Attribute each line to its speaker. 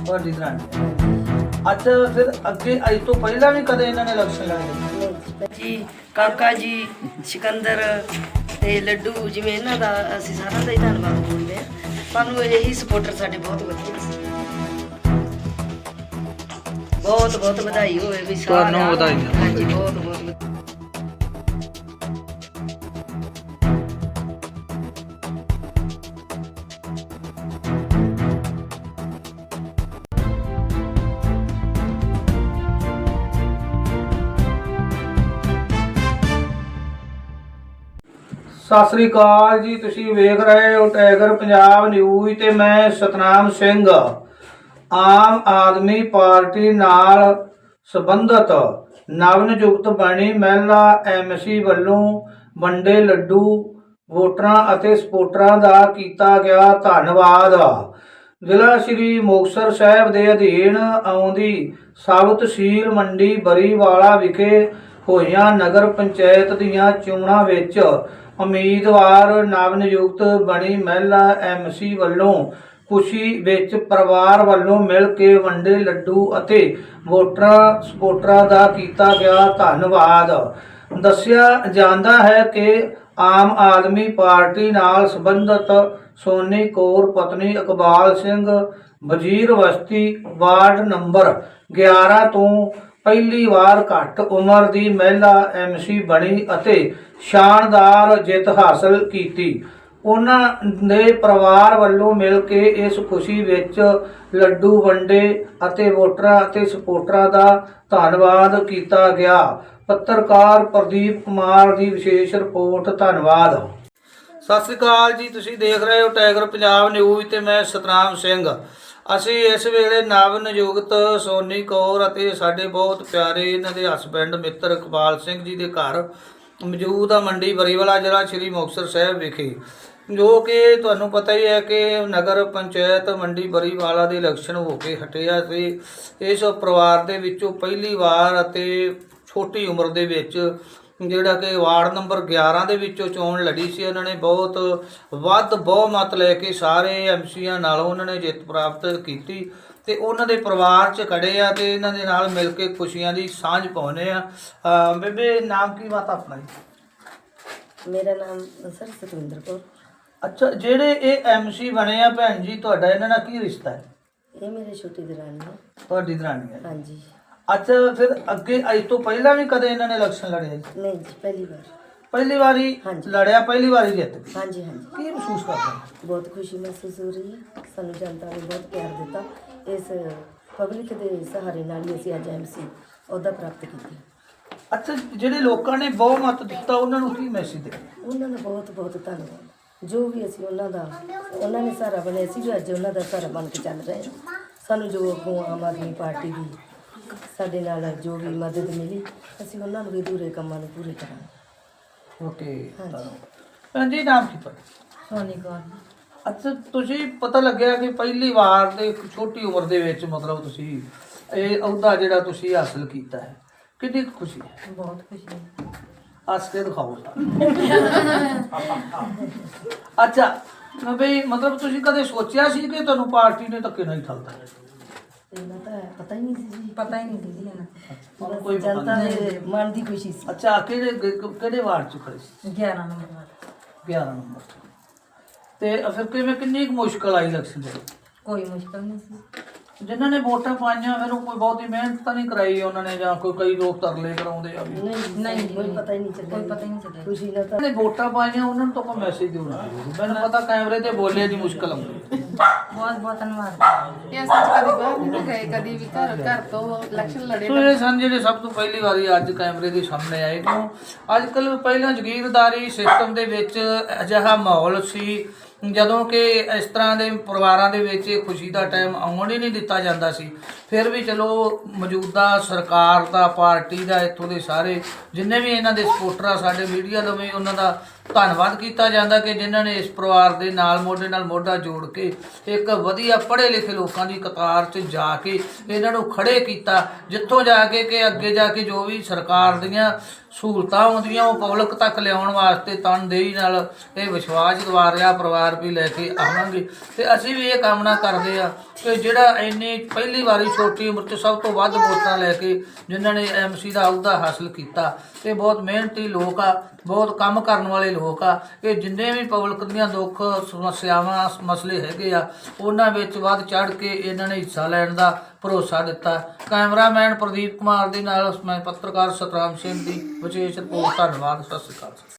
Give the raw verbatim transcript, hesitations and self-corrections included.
Speaker 1: ਤੁਹਾਡੀ ਦਰਾਣੀ। ਅੱਛਾ ਫਿਰ ਅੱਗੇ ਅੱਜ ਤੋਂ ਪਹਿਲਾਂ ਵੀ ਕਦੇ ਇਹਨਾਂ ਨੇ ਇਲੈਕਸ਼ਨ ਲੜੇ
Speaker 2: ਜੀ? ਕਾਕਾ ਜੀ, ਸਿਕੰਦਰ ਤੇ ਲੱਡੂ, ਜਿਵੇਂ ਇਹਨਾਂ ਦਾ ਅਸੀਂ ਸਾਰਿਆਂ ਦਾ ਹੀ ਧੰਨਵਾਦ ਬੋਲਦੇ ਹਾਂ। ਸਾਨੂੰ ਇਹੀ ਸਪੋਰਟਰ ਸਾਡੇ ਬਹੁਤ ਵਧੀਆ ਸੀ। ਬਹੁਤ ਬਹੁਤ ਵਧਾਈ ਹੋਵੇ ਵੀ ਸਾਰਿਆਂ
Speaker 1: ਤੁਹਾਨੂੰ ਵਧਾਈਆਂ।
Speaker 2: ਹਾਂਜੀ, ਬਹੁਤ ਬਹੁਤ ਵਧਾਈ।
Speaker 1: ਸਤਿ ਸ੍ਰੀ ਅਕਾਲ ਜੀ, ਤੁਸੀਂ ਵੇਖ ਰਹੇ ਹੋ ਟਾਈਗਰ ਪੰਜਾਬ ਨਿਊਜ਼ ਤੇ ਮੈਂ ਸਤਨਾਮ ਸਿੰਘ। ਆਮ ਆਦਮੀ ਪਾਰਟੀ ਨਾਲ ਸੰਬੰਧਤ ਨਵਨਿਯੁਕਤ ਬਣੀ ਮਹਿਲਾ ਐਮਸੀ ਵੱਲੋਂ ਵੰਡੇ ਲੱਡੂ ਵੋਟਰਾਂ ਅਤੇ ਸਪੋਰਟਰਾਂ ਦਾ ਕੀਤਾ ਗਿਆ ਧੰਨਵਾਦ। ਜ਼ਿਲ੍ਹਾ ਸ੍ਰੀ ਮੁਕਤਸਰ ਸਾਹਿਬ ਦੇ ਅਧੀਨ ਆਉਂਦੀ ਸਬ ਤਹਿਸੀਲ ਮੰਡੀ ਬਰੀਵਾਲਾ ਵਿਖੇ ਹੋਈਆਂ ਨਗਰ ਪੰਚਾਇਤ ਦੀਆਂ ਚੋਣਾਂ ਵਿੱਚ ਉਮੀਦਵਾਰ ਨਵਨਿਯੁਕਤ ਬਣੀ ਮਹਿਲਾ ਐਮਸੀ ਵੱਲੋਂ ਖੁਸ਼ੀ ਵਿੱਚ ਪਰਿਵਾਰ ਵੱਲੋਂ ਮਿਲ ਕੇ ਵੰਡੇ ਲੱਡੂ ਅਤੇ ਵੋਟਰਾਂ ਸਪੋਰਟਰਾਂ ਦਾ ਕੀਤਾ ਗਿਆ ਧੰਨਵਾਦ। ਦੱਸਿਆ ਜਾਂਦਾ ਹੈ ਕਿ ਆਮ ਆਦਮੀ ਪਾਰਟੀ ਨਾਲ ਸੰਬੰਧਿਤ ਸੋਨੀ ਕੌਰ ਪਤਨੀ ਇਕਬਾਲ ਸਿੰਘ ਵਜ਼ੀਰ ਬਸਤੀ ਵਾਰਡ ਨੰਬਰ ਗਿਆਰਾਂ ਤੋਂ ਪਹਿਲੀ ਵਾਰ ਘੱਟ ਉਮਰ ਦੀ ਮਹਿਲਾ ਐਮਸੀ ਬਣੀ ਅਤੇ ਸ਼ਾਨਦਾਰ ਜਿੱਤ ਹਾਸਲ ਕੀਤੀ। ਉਹਨਾਂ ਦੇ ਪਰਿਵਾਰ ਵੱਲੋਂ ਮਿਲ ਕੇ ਇਸ ਖੁਸ਼ੀ ਵਿੱਚ ਲੱਡੂ ਵੰਡੇ ਅਤੇ ਵੋਟਰਾਂ ਅਤੇ ਸਪੋਰਟਰਾਂ ਦਾ ਧੰਨਵਾਦ ਕੀਤਾ ਗਿਆ। ਪੱਤਰਕਾਰ ਪ੍ਰਦੀਪ ਕੁਮਾਰ ਦੀ ਵਿਸ਼ੇਸ਼ ਰਿਪੋਰਟ। ਧੰਨਵਾਦ। ਸਤਿ ਸ੍ਰੀ ਅਕਾਲ ਜੀ, ਤੁਸੀਂ ਦੇਖ ਰਹੇ ਹੋ ਟਾਈਗਰ ਪੰਜਾਬ ਨਿਊਜ਼ ਤੇ ਮੈਂ ਸਤਨਾਮ ਸਿੰਘ। ਅਸੀਂ ਇਸ ਵੇਲੇ ਨਵਨਿਯੁਕਤ ਸੋਨੀ ਕੌਰ ਅਤੇ ਸਾਡੇ ਬਹੁਤ ਪਿਆਰੇ ਇਹਨਾਂ ਦੇ ਹਸਬੈਂਡ ਮਿੱਤਰ ਇਕਬਾਲ ਸਿੰਘ ਜੀ ਦੇ ਘਰ ਮੌਜੂਦ ਆ ਮੰਡੀ ਬਰੀਵਾਲਾ, ਜ਼ਿਲ੍ਹਾ ਸ਼੍ਰੀ ਮੁਕਤਸਰ ਸਾਹਿਬ ਵਿਖੇ, ਜੋ ਕਿ ਤੁਹਾਨੂੰ ਪਤਾ ਹੀ ਹੈ ਕਿ ਨਗਰ ਪੰਚਾਇਤ ਮੰਡੀ ਬਰੀਵਾਲਾ ਦੇ ਇਲੈਕਸ਼ਨ ਹੋ ਕੇ ਹਟਿਆ ਸੀ। ਇਸ ਪਰਿਵਾਰ ਦੇ ਵਿੱਚੋਂ ਪਹਿਲੀ ਵਾਰ ਅਤੇ ਛੋਟੀ ਉਮਰ ਦੇ ਵਿੱਚ ਜਿਹੜਾ ਕਿ ਵਾਰਡ ਨੰਬਰ ਗਿਆਰਾਂ ਦੇ ਵਿੱਚੋਂ ਚੋਣ ਲੜੀ ਸੀ, ਉਹਨਾਂ ਨੇ ਬਹੁਤ ਵੱਧ ਬਹੁਮਤ ਲੈ ਕੇ ਸਾਰੇ ਐਮਸੀਆਂ ਨਾਲੋਂ ਉਹਨਾਂ ਨੇ ਜਿੱਤ ਪ੍ਰਾਪਤ ਕੀਤੀ ਤੇ ਉਹਨਾਂ ਦੇ ਪਰਿਵਾਰ 'ਚ ਖੜੇ ਆ ਤੇ ਇਹਨਾਂ ਦੇ ਨਾਲ ਮਿਲ ਕੇ ਖੁਸ਼ੀਆਂ ਦੀ ਸਾਂਝ ਪਾਉਂਦੇ ਆ। ਬੇਬੇ, ਨਾਮ ਕੀ ਬਾਤ ਆਪਣਾ ਜੀ?
Speaker 2: ਮੇਰਾ ਨਾਮ ਸਰ ਸਤਵਿੰਦਰ ਕੌਰ।
Speaker 1: ਅੱਛਾ, ਜਿਹੜੇ ਇਹ ਐਮਸੀ ਬਣੇ ਆ ਭੈਣ ਜੀ, ਤੁਹਾਡਾ ਇਹਨਾਂ ਨਾਲ ਕੀ ਰਿਸ਼ਤਾ ਹੈ?
Speaker 2: ਇਹ ਮੇਰੇ ਛੋਟੀ ਦਰਾਣੀ ਹੈ।
Speaker 1: ਤੁਹਾਡੀ ਦਰਾਣੀ ਹੈ?
Speaker 2: ਹਾਂਜੀ।
Speaker 1: ਅੱਛਾ, ਫਿਰ ਅੱਗੇ ਅੱਜ ਤੋਂ ਪਹਿਲਾਂ ਵੀ ਕਦੇ ਇਹਨਾਂ ਨੇ ਇਲੈਕਸ਼ਨ ਲੜਿਆ ਜੀ?
Speaker 2: ਨਹੀਂ ਜੀ, ਪਹਿਲੀ ਵਾਰ।
Speaker 1: ਪਹਿਲੀ ਵਾਰੀ ਲੜਿਆ, ਪਹਿਲੀ ਵਾਰੀ ਜਿੱਤ ਗਏ?
Speaker 2: ਹਾਂਜੀ ਹਾਂਜੀ।
Speaker 1: ਕੀ ਮਹਿਸੂਸ ਕਰਦੇ?
Speaker 2: ਬਹੁਤ ਖੁਸ਼ੀ ਮਹਿਸੂਸ ਹੋ ਰਹੀ ਹੈ। ਸਾਨੂੰ ਜਨਤਾ ਨੇ ਬਹੁਤ ਪਿਆਰ ਦਿੱਤਾ। ਇਸ ਪਬਲਿਕ ਦੇ ਸਹਾਰੇ ਨਾਲ ਹੀ ਅਸੀਂ ਅੱਜ ਐਮਸੀ ਅਹੁਦਾ ਪ੍ਰਾਪਤ ਕੀਤਾ।
Speaker 1: ਅੱਛਾ, ਜਿਹੜੇ ਲੋਕਾਂ ਨੇ ਬਹੁਮਤ ਦਿੱਤਾ ਉਹਨਾਂ ਨੂੰ ਕੀ ਮੈਸੇਜ ਦੇ?
Speaker 2: ਉਹਨਾਂ ਦਾ ਬਹੁਤ ਬਹੁਤ ਧੰਨਵਾਦ। ਜੋ ਵੀ ਅਸੀਂ ਉਹਨਾਂ ਦਾ ਉਹਨਾਂ ਨੇ ਸਹਾਰਾ ਬਣੇ, ਅਸੀਂ ਵੀ ਅੱਜ ਉਹਨਾਂ ਦਾ ਸਹਾਰਾ ਬਣ ਕੇ ਚੱਲ ਰਹੇ ਹਾਂ। ਸਾਨੂੰ ਜੋ ਅੱਗੋਂ ਆਮ ਆਦਮੀ ਪਾਰਟੀ ਦੀ ਸਾਡੇ ਨਾਲ ਜੋ ਵੀ ਮਦਦ ਮਿਲੀ, ਅਸੀਂ ਉਹਨਾਂ ਨੂੰ ਵੀ ਅਧੂਰੇ ਕੰਮਾਂ ਨੂੰ ਪੂਰੇ ਕਰਾਂਗੇ।
Speaker 1: ਓਕੇ ਭੈਣ ਜੀ, ਨਾਮ ਕੀ ਤੁਹਾਡਾ?
Speaker 2: ਸੋਨੀ ਕੌਰ।
Speaker 1: ਅੱਛਾ, ਤੁਸੀਂ ਪਤਾ ਲੱਗਿਆ ਕਿ ਪਹਿਲੀ ਵਾਰ ਦੇ ਛੋਟੀ ਉਮਰ ਦੇ ਵਿੱਚ ਮਤਲਬ ਤੁਸੀਂ ਇਹ ਅਹੁਦਾ ਜਿਹੜਾ ਤੁਸੀਂ ਹਾਸਲ ਕੀਤਾ ਹੈ, ਕਿੰਨੀ ਕੁ ਖੁਸ਼ੀ ਹੈ?
Speaker 2: ਬਹੁਤ ਖੁਸ਼ੀ ਹੈ।
Speaker 1: ਹੱਸ ਕੇ ਦਿਖਾਓ। ਅੱਛਾ ਬਈ, ਮਤਲਬ ਤੁਸੀਂ ਕਦੇ ਸੋਚਿਆ ਸੀ ਕਿ ਤੁਹਾਨੂੰ ਪਾਰਟੀ ਨੇ ਧੱਕੇ ਨਾਲ ਹੀ ਠੱਲਦਾ?
Speaker 2: ਇਹਨਾਂ ਤਾਂ ਪਤਾ ਹੀ ਨਹੀਂ ਸੀ ਜੀ। ਪਤਾ ਹੀ ਨਹੀਂ ਸੀ ਜੀ ਇਹਨਾਂ।
Speaker 1: ਕੋਈ
Speaker 2: ਜਨਤਾ ਦੇ ਮਨ ਦੀ ਖੁਸ਼ੀ ਸੀ।
Speaker 1: ਅੱਛਾ, ਕਿਹੜੇ ਕਿਹੜੇ ਵਾਰਡ 'ਚ ਖੜੇ ਸੀ?
Speaker 2: ਗਿਆਰਾਂ ਨੰਬਰ।
Speaker 1: ਗਿਆਰਾਂ ਨੰਬਰ। ਤੇ ਫਿਰ ਕਿਵੇਂ, ਕਿੰਨੀ ਕੁ ਮੁਸ਼ਕਲ ਆਈ ਇਲੈਕਸ਼ਨ ਦੇ?
Speaker 2: ਕੋਈ ਮੁਸ਼ਕਲ ਨਹੀਂ ਸੀ।
Speaker 1: ਜਿਨ੍ਹਾਂ ਨੇ ਵੋਟਾਂ ਪਾਈਆਂ ਫਿਰ ਉਹ ਕੋਈ ਬਹੁਤੀ ਮਿਹਨਤ ਤਾਂ ਨਹੀਂ ਕਰਾਈ ਉਹਨਾਂ ਨੇ, ਜਾਂ ਕੋਈ ਕਈ ਲੋਕ ਤਰਲੇ ਕਰਾਉਂਦੇ ਆ ਵੀ?
Speaker 2: ਨਹੀਂ ਨਹੀਂ, ਕੋਈ ਪਤਾ ਹੀ ਨਹੀਂ ਚੱਲਿਆ। ਕੋਈ ਪਤਾ ਹੀ ਨਹੀਂ ਚੱਲਿਆ। ਖੁਸ਼ੀ ਨਾਲ ਤਾਂ
Speaker 1: ਨੇ ਵੋਟਾਂ ਪਾਈਆਂ ਉਹਨਾਂ ਨੂੰ ਤਾਂ ਕੋਈ ਮੈਸੇਜ ਦੇਣਾ ਚਾਹੀਦਾ। ਮੈਨੂੰ ਪਤਾ ਕੈਮਰੇ ਤੇ ਬੋਲੇ ਦੀ ਮੁਸ਼ਕਲ ਆਉਂਦੀ।
Speaker 2: ਬਹੁਤ ਬਹੁਤ ਧੰਨਵਾਦ।
Speaker 3: ਇਹ ਅਸੀਂ ਕਦੀ ਬਾਹਰ ਨਹੀਂ ਗਏ, ਕਦੀ ਵੀ ਘਰ ਘਰ ਤੋਂ ਇਲੈਕਸ਼ਨ ਲੜੇ।
Speaker 1: ਸੋ ਇਹ ਸਨ ਜਿਹੜੇ ਸਭ ਤੋਂ ਪਹਿਲੀ ਵਾਰੀ ਅੱਜ ਕੈਮਰੇ ਦੇ ਸਾਹਮਣੇ ਆਏ। ਕਿਉਂ ਅੱਜ ਕੱਲ੍ਹ ਪਹਿਲਾਂ ਜਾਗੀਰਦਾਰੀ ਸਿਸਟਮ ਦੇ ਵਿੱਚ ਅਜਿਹਾ ਮਾਹੌਲ ਸੀ ਜਦੋਂ ਕਿ ਇਸ ਤਰ੍ਹਾਂ ਦੇ ਪਰਿਵਾਰਾਂ ਦੇ ਵਿੱਚ ਇਹ ਖੁਸ਼ੀ ਦਾ ਟਾਈਮ ਆਉਣ ਹੀ ਨਹੀਂ ਦਿੱਤਾ ਜਾਂਦਾ ਸੀ। ਫਿਰ ਵੀ ਚਲੋ ਮੌਜੂਦਾ ਸਰਕਾਰ ਦਾ, ਪਾਰਟੀ ਦਾ, ਇੱਥੋਂ ਦੇ ਸਾਰੇ ਜਿੰਨੇ ਵੀ ਇਹਨਾਂ ਦੇ ਸਪੋਰਟਰ ਆ, ਸਾਡੇ ਮੀਡੀਆ ਵੱਲੋਂ ਵੀ ਉਹਨਾਂ ਦਾ ਧੰਨਵਾਦ ਕੀਤਾ ਜਾਂਦਾ ਕਿ ਜਿਨ੍ਹਾਂ ਨੇ ਇਸ ਪਰਿਵਾਰ ਦੇ ਨਾਲ ਮੋਢੇ ਨਾਲ ਮੋਢਾ ਜੋੜ ਕੇ ਇੱਕ ਵਧੀਆ ਪੜ੍ਹੇ ਲਿਖੇ ਲੋਕਾਂ ਦੀ ਕਤਾਰ 'ਚ ਜਾ ਕੇ ਇਹਨਾਂ ਨੂੰ ਖੜੇ ਕੀਤਾ, ਜਿੱਥੋਂ ਜਾ ਕੇ ਕਿ ਅੱਗੇ ਜਾ ਕੇ ਜੋ ਵੀ ਸਰਕਾਰ ਦੀਆਂ ਸਹੂਲਤਾਂ ਆਉਂਦੀਆਂ ਉਹ ਪਬਲਿਕ ਤੱਕ ਲਿਆਉਣ ਵਾਸਤੇ ਤਨਦੇਹੀ ਨਾਲ ਇਹ ਵਿਸ਼ਵਾਸ ਦਿਵਾ ਰਿਹਾ ਪਰਿਵਾਰ ਵੀ ਲੈ ਕੇ ਆਵਾਂਗੇ। ਤੇ ਅਸੀਂ ਵੀ ਇਹ ਕਾਮਨਾ ਕਰਦੇ ਆ ਕਿ ਜਿਹੜਾ ਇੰਨੀ ਪਹਿਲੀ ਵਾਰੀ ਛੋਟੀ ਉਮਰ 'ਚ ਸਭ ਤੋਂ ਵੱਧ ਵੋਟਾਂ ਲੈ ਕੇ ਜਿਨ੍ਹਾਂ ਨੇ ਐਮਸੀ ਦਾ ਅਹੁਦਾ ਹਾਸਲ ਕੀਤਾ। ਤੇ ਬਹੁਤ ਮਿਹਨਤੀ ਲੋਕ ਆ, ਬਹੁਤ ਕੰਮ ਕਰਨ ਵਾਲੇ ਲੋਕ ਆ। ਇਹ ਜਿੰਨੇ ਵੀ ਪਬਲਿਕ ਦੀਆਂ ਦੁੱਖ ਸਮੱਸਿਆਵਾਂ ਮਸਲੇ ਹੈਗੇ ਆ ਉਹਨਾਂ ਵਿੱਚ ਵੱਧ ਚੜ੍ਹ ਕੇ ਇਹਨਾਂ ਨੇ ਹਿੱਸਾ ਲੈਣ ਦਾ ਭਰੋਸਾ ਦਿੱਤਾ। ਕੈਮਰਾਮੈਨ ਪ੍ਰਦੀਪ ਕੁਮਾਰ ਦੇ ਨਾਲ ਮੈਂ ਪੱਤਰਕਾਰ ਸਤਨਾਮ ਸਿੰਘ ਦੀ ਵਿਸ਼ੇਸ਼ ਰਿਪੋਰਟ। ਧੰਨਵਾਦ। ਸਤਿ ਸ਼੍ਰੀ ਅਕਾਲ।